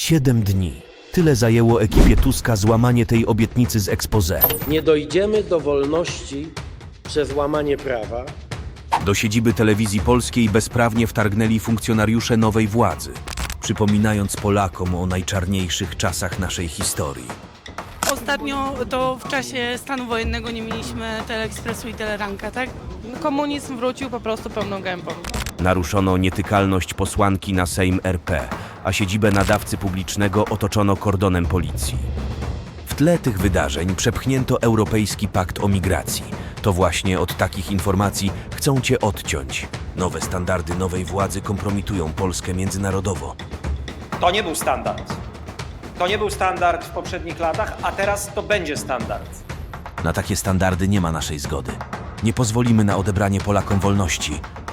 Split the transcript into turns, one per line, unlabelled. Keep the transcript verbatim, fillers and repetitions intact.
Siedem dni. Tyle zajęło ekipie Tuska złamanie tej obietnicy z exposé.
Nie dojdziemy do wolności przez łamanie prawa.
Do siedziby Telewizji Polskiej bezprawnie wtargnęli funkcjonariusze nowej władzy, przypominając Polakom o najczarniejszych czasach naszej historii.
Ostatnio to w czasie stanu wojennego nie mieliśmy Teleekspresu i Teleranka, tak?
Komunizm wrócił po prostu pełną gębą.
Naruszono nietykalność posłanki na Sejm R P, a siedzibę nadawcy publicznego otoczono kordonem policji. W tle tych wydarzeń przepchnięto Europejski Pakt o Migracji. To właśnie od takich informacji chcą cię odciąć. Nowe standardy nowej władzy kompromitują Polskę międzynarodowo.
To nie był standard. To nie był standard w poprzednich latach, a teraz to będzie standard.
Na takie standardy nie ma naszej zgody. Nie pozwolimy na odebranie Polakom wolności.